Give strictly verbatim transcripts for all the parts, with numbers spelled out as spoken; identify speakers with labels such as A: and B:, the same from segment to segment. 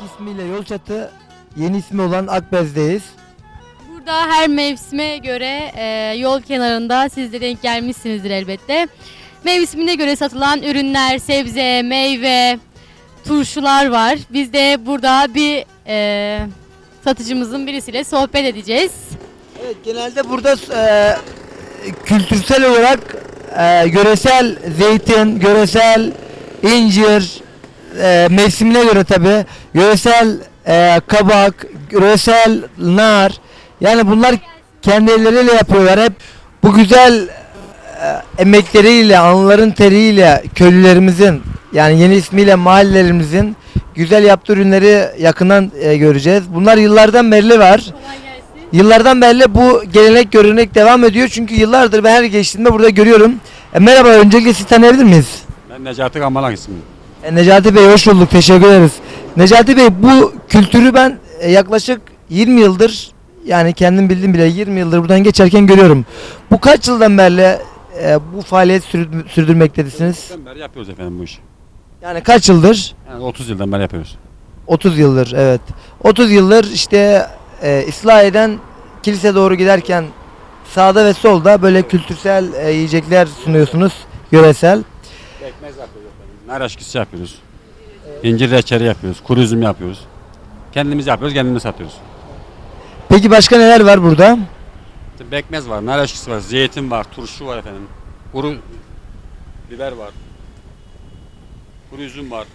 A: İsmiyle Yolçatı, yeni ismi olan Akbez'deyiz.
B: Burada her mevsime göre e, yol kenarında siz de denk gelmişsinizdir elbette. Mevsimine göre satılan ürünler, sebze, meyve, turşular var. Biz de burada bir e, satıcımızın birisiyle sohbet edeceğiz.
A: Evet, genelde burada e, kültürsel olarak e, yöresel zeytin, yöresel incir, e, mevsimine göre tabi, yöresel e, kabak, yöresel nar, yani bunlar kendi elleriyle yapıyorlar. Hep bu güzel e, emekleriyle, alınların teriyle köylülerimizin, yani yeni ismiyle mahallelerimizin güzel yaptığı ürünleri yakından e, göreceğiz. Bunlar yıllardan beri var.
B: Kolay gelsin.
A: Yıllardan beri bu gelenek görenek devam ediyor, çünkü yıllardır ben her geçtiğimde burada görüyorum. E, merhaba, öncelikle sizi tanıyabilir miyiz?
C: Ben Necati Kamalak ismim.
A: E, Necati Bey, hoş bulduk, teşekkür ederiz. Necati Bey, bu kültürü ben e, yaklaşık yirmi yıldır, yani kendim bildiğim bile yirmi yıldır buradan geçerken görüyorum. Bu kaç yıldan beri e, bu faaliyet sürdür- sürdürmektedesiniz?
C: Ben beri yapıyoruz efendim bu işi.
A: Yani kaç yıldır?
C: Yani otuz yıldan beri yapıyoruz.
A: otuz yıldır, evet. otuz yıldır işte e, İslahiye'den kilise doğru giderken sağda ve solda böyle kültürsel e, yiyecekler sunuyorsunuz, yöresel.
C: Ekmez yapıyoruz efendim. Nar aşkısı yapıyoruz. İncir reçeli yapıyoruz. Kuru üzüm yapıyoruz. Kendimiz yapıyoruz, kendimiz satıyoruz.
A: Peki başka neler var burada?
C: İşte bekmez var, nar aşkısı var, zeytin var, turşu var efendim. Kuru biber var. Kuru üzüm var.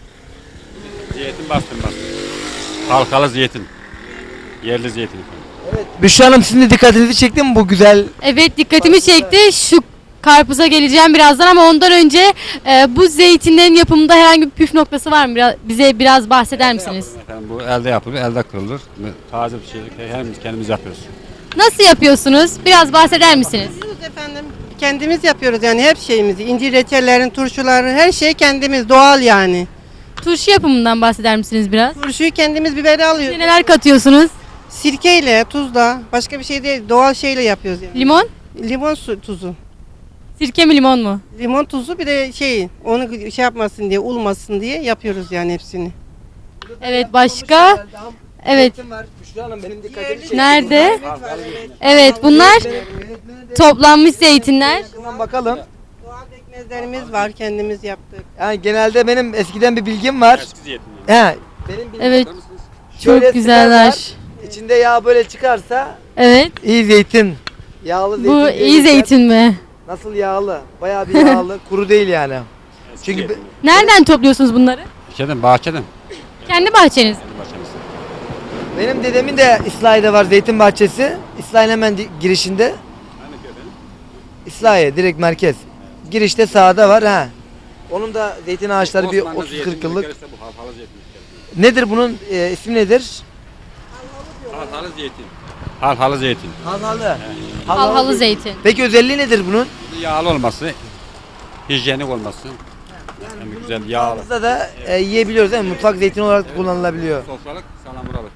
C: Zeytin bastırması. Halkalı zeytin. Yerli zeytin efendim.
A: Evet. Büşra Hanım, sizin de dikkatinizi çekti mi bu güzel?
B: Evet, dikkatimi çekti. Şu karpuza geleceğim birazdan ama ondan önce e, bu zeytinlerin yapımında herhangi bir püf noktası var mı? Biraz, bize biraz bahseder misiniz?
C: Efendim bu elde yapılır, elde kırılır. Taze bir şey, kendimiz, kendimiz yapıyoruz.
B: Nasıl yapıyorsunuz? Biraz bahseder misiniz?
D: Yapıyoruz efendim. Kendimiz yapıyoruz yani her şeyimizi. İncir reçellerin, turşuları, her şey kendimiz, doğal yani.
B: Turşu yapımından bahseder misiniz biraz?
D: Turşuyu kendimiz biberi alıyoruz.
B: İçine neler katıyorsunuz?
D: Sirkeyle, tuzla, başka bir şey değil, doğal şeyle yapıyoruz yani.
B: Limon?
D: Limon su, tuzu.
B: Sirke mi limon mu?
D: Limon tuzu, bir de şey, onu şey yapmasın diye, ulmasın diye yapıyoruz yani hepsini.
B: Evet, başka? Evet.
A: Büşra Hanım, benim dikkatimi çekti.
B: Nerede? Evet, bunlar toplanmış zeytinler.
A: Yakından bakalım.
D: Doğal ekmezlerimiz var, kendimiz yaptık.
A: Yani genelde benim eskiden bir bilgim var.
C: Eski zeytin.
A: He. Benim bilgim
B: Evet,
A: şöyle
B: çok güzeller.
A: sıkarlar, İçinde yağ böyle çıkarsa
B: Evet,
A: iyi zeytin. Yağlı zeytin.
B: bu
A: diye
B: iyi
A: geçer.
B: zeytin mi?
A: Nasıl yağlı? Bayağı bir yağlı. Kuru değil yani.
C: Eski
A: Çünkü
C: zeytin.
B: Nereden topluyorsunuz bunları?
C: Şeyden, bahçeden.
B: Kendi bahçeniz.
C: Bahçemiz.
A: benim dedemin de İslahiye'de var zeytin bahçesi. İslahiye'nin hemen di- girişinde.
C: Hani ki efendim?
A: İslahiye direkt merkez. Girişte sağda var ha. Onun da zeytin ağaçları bir
C: Osmanlı
A: otuz
C: zeytin
A: kırk yıllık.
C: ülkesi bu, halkalı zeytin ülkesi.
A: Nedir bunun e, ismi nedir?
C: Halkalı zeytin. Halkalı zeytin.
A: Halhalı.
B: Halhalı zeytin.
A: Peki özelliği nedir bunun?
C: Yağlı olması, hijyenik olması. Yani güzel yağlı.
A: Mutfağımızda da e, yiyebiliyoruz değil mi? Mutfak zeytini olarak da kullanılabiliyor.
C: Sofralık, salamuralık.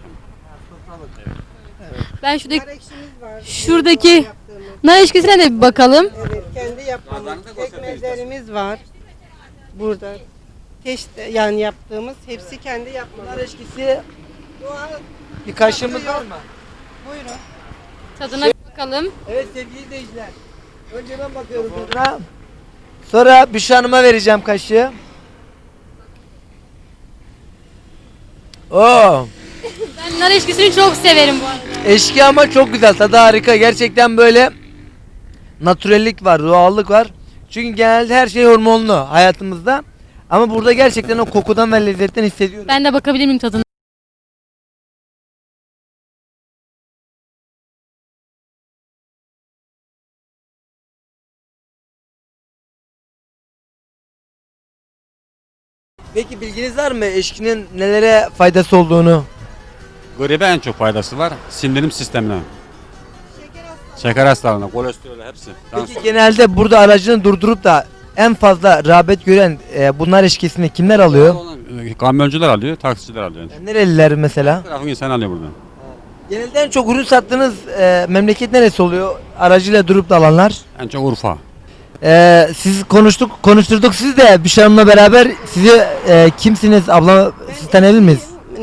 B: Ben şuradaki,
D: Nar ekşimiz var.
B: şuradaki
D: Yaptığımız.
B: nar ilişkisine de bir bakalım.
D: Evet, kendi yaptığımız
C: Bazılarını da gösterebiliriz.
D: ekmezlerimiz var. Burada. Teşte yani yaptığımız, hepsi kendi yapmaları.
A: Nar eşkisi
D: Doğal.
A: bir kaşığımız var mı?
D: Buyurun.
B: Tadına bir bakalım.
A: Evet sevgili izleyiciler. Önce ben bakıyorum tadına. Sonra Büşra Hanım'a vereceğim kaşığı. Oo,
B: Ben nar ilişkisini çok severim bu arada.
A: eşki ama çok güzel. Tadı harika. Gerçekten böyle natürellik var, doğallık var. Çünkü genelde her şey hormonlu hayatımızda. Ama burada gerçekten o kokudan ve lezzetten hissediyorum.
B: Ben de bakabilir miyim tadına?
A: Peki bilginiz var mı eşkinin nelere faydası olduğunu?
C: Gribe en çok faydası var. Sindirim sistemine. Şeker hastalığına, kolesterolü hepsi.
A: Peki genelde burada aracını durdurup da en fazla rağbet gören e, bunlar eşkisini kimler alıyor?
C: Kamyoncular alıyor, taksiciler alıyor.
A: Yani nereliler mesela?
C: Her tarafın insan alıyor buradan.
A: Genelde en çok ürün sattığınız e, memleket neresi oluyor? Aracıyla durup da alanlar.
C: En çok Urfa.
A: E, siz konuştuk, konuşturduk siz de Büşra Hanım'la beraber. Sizi e, kimsiniz abla? Siz tanıyabilir miyiz?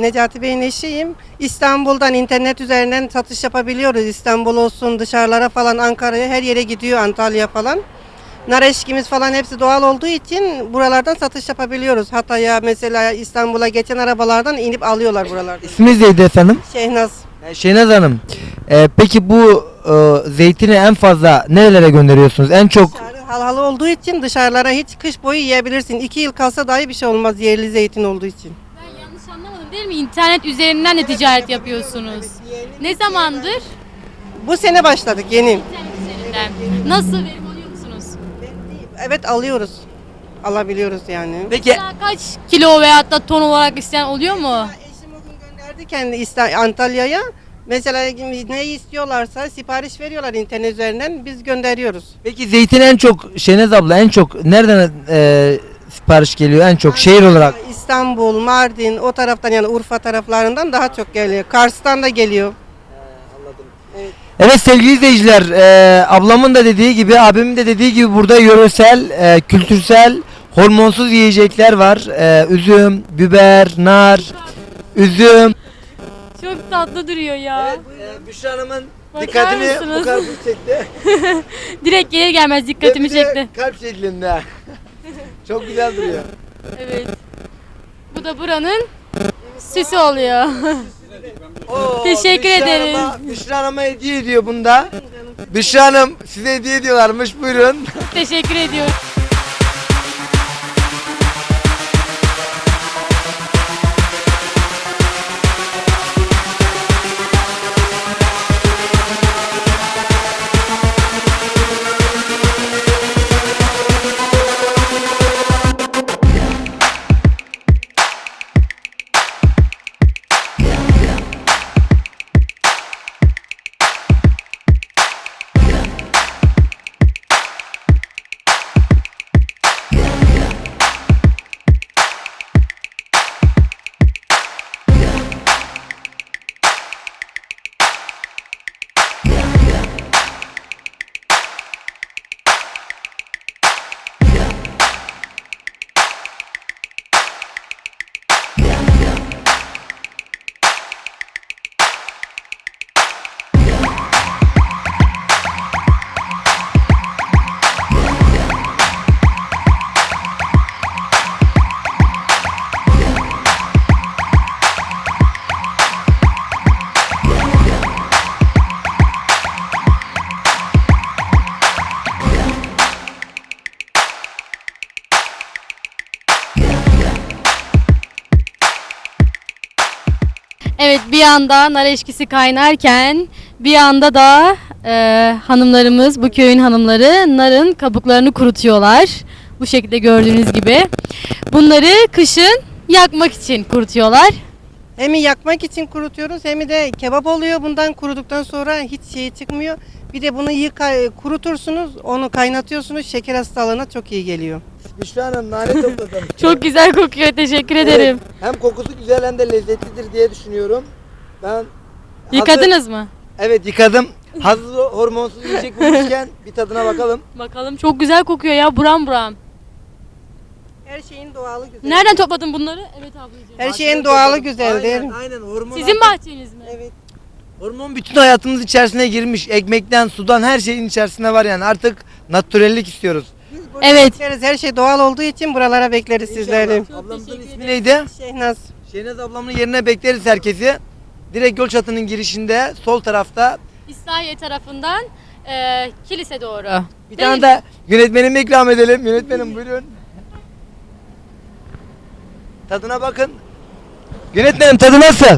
D: Necati Bey'in eşiyim. İstanbul'dan internet üzerinden satış yapabiliyoruz. İstanbul olsun, dışarılara falan, Ankara'ya, her yere gidiyor, Antalya falan. Nar eşkimiz falan hepsi doğal olduğu için buralardan satış yapabiliyoruz. Hatay'a mesela, İstanbul'a geçen arabalardan inip alıyorlar buralardan.
A: İsminiz neydi efendim?
D: Şehnaz.
A: E, Şehnaz Hanım. E, peki bu e, zeytini en fazla nerelere gönderiyorsunuz? En çok
D: Dışarı halhalı olduğu için dışarılara hiç kış boyu yiyebilirsin. İki yıl kalsa dahi bir şey olmaz yerli zeytin olduğu için.
B: Ben yanlış anlamadım değil mi? İnternet üzerinden de ticaret yapıyorsunuz. Ne zamandır?
D: Bu sene başladık yeni.
B: İnternet üzerinden. Nasıl, verim alıyor musunuz?
D: Evet, alıyoruz. Alabiliyoruz yani.
A: peki
B: Mesela kaç kilo veyahut da ton olarak isteyen oluyor mu?
D: Eşim o gün gönderdi kendi İsta- Antalya'ya. Mesela ne istiyorlarsa sipariş veriyorlar internet üzerinden, biz gönderiyoruz.
A: peki zeytin en çok Şehnaz abla en çok nereden e, sipariş geliyor en çok şehir olarak?
D: İstanbul, Mardin, o taraftan yani Urfa taraflarından daha çok geliyor. Kars'tan da geliyor.
A: Evet sevgili izleyiciler, e, ablamın da dediği gibi, abimin de dediği gibi burada yöresel, e, kültürsel, hormonsuz yiyecekler var. E, üzüm, biber, nar, üzüm.
B: Çok tatlı duruyor ya.
A: e, Büşra Hanım'ın
B: Bakar
A: dikkatini
B: mısınız?
A: bu karpuz çekti.
B: Direkt gelir gelmez dikkatimi
A: Ve bir de
B: çekti.
A: kalp şeklinde. Çok güzel duruyor.
B: Evet. Bu da buranın süsü oluyor.
A: Oo,
B: Teşekkür
A: Büşra
B: ederim.
A: Hanım'a- Büşra Hanım'a hediye ediyor bunda. Büşra Hanım size hediye ediyorlarmış, buyurun.
B: Teşekkür ediyorum. Evet, bir yanda nar eşkisi kaynarken bir yanda da e, hanımlarımız, bu köyün hanımları narın kabuklarını kurutuyorlar. Bu şekilde gördüğünüz gibi. Bunları kışın yakmak için kurutuyorlar.
D: Hem yakmak için kurutuyoruz hem de kebap oluyor. Bundan kuruduktan sonra hiç şey çıkmıyor. Bir de bunu yıka, kurutursunuz, onu kaynatıyorsunuz. Şeker hastalığına çok iyi geliyor.
A: Büşra Hanım nane topladım.
B: Çok güzel kokuyor, teşekkür ederim.
A: Evet, hem kokusu güzel hem de lezzetlidir diye düşünüyorum. Ben
B: Yıkadınız mı?
A: Evet yıkadım. Hazır hormonsuz yiyecek bulmuşken bir tadına bakalım.
B: Bakalım, çok güzel kokuyor ya, buram buram.
D: Her şeyin doğalı güzel.
B: Nereden topladın bunları? Evet ablacığım.
D: Her şeyin doğalı güzeldir.
A: Aynen, aynen hormon.
B: Sizin bahçeniz mi?
D: Evet.
A: Hormon bütün hayatımız içerisine girmiş. Ekmekten, sudan her şeyin içerisinde var yani. Artık natürellik istiyoruz.
B: Evet.
D: Bekleriz. Her şey doğal olduğu için buralara bekleriz sizleri.
A: İnşallah. Ablamızın ismi neydi?
D: Şehnaz.
A: Şehnaz ablamın yerine bekleriz herkesi. Direkt Gölçatı'nın girişinde sol tarafta.
B: İslahiye tarafından e, kilise doğru.
A: Bir
B: Değil
A: tane
B: mi?
A: de yönetmenime ikram edelim. Yönetmenim buyurun. Tadına bakın. Yönetmenim tadı nasıl?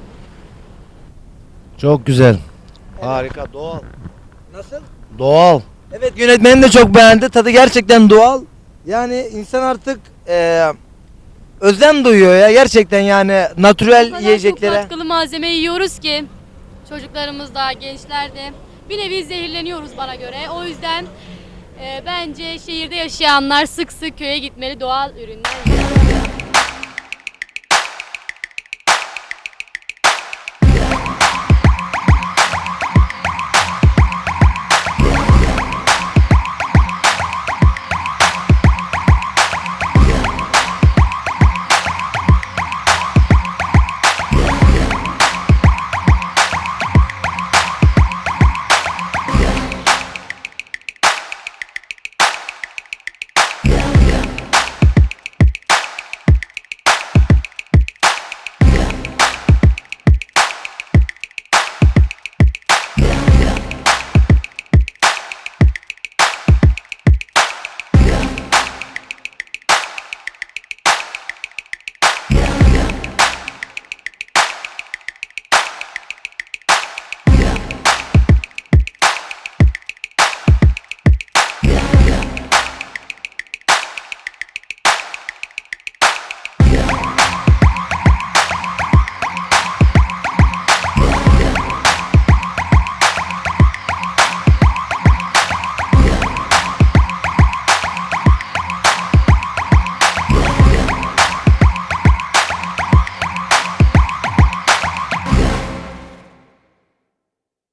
E: Çok güzel. Harika, doğal.
A: Nasıl?
E: Doğal.
A: Evet yönetmenim de çok beğendi. Tadı gerçekten doğal. Yani insan artık eee özlem duyuyor ya gerçekten yani
B: O
A: natürel
B: kadar
A: yiyeceklere.
B: çok katkılı malzeme yiyoruz ki çocuklarımız da, gençler de bir nevi zehirleniyoruz bana göre. O yüzden e, bence şehirde yaşayanlar sık sık köye gitmeli, doğal ürünler.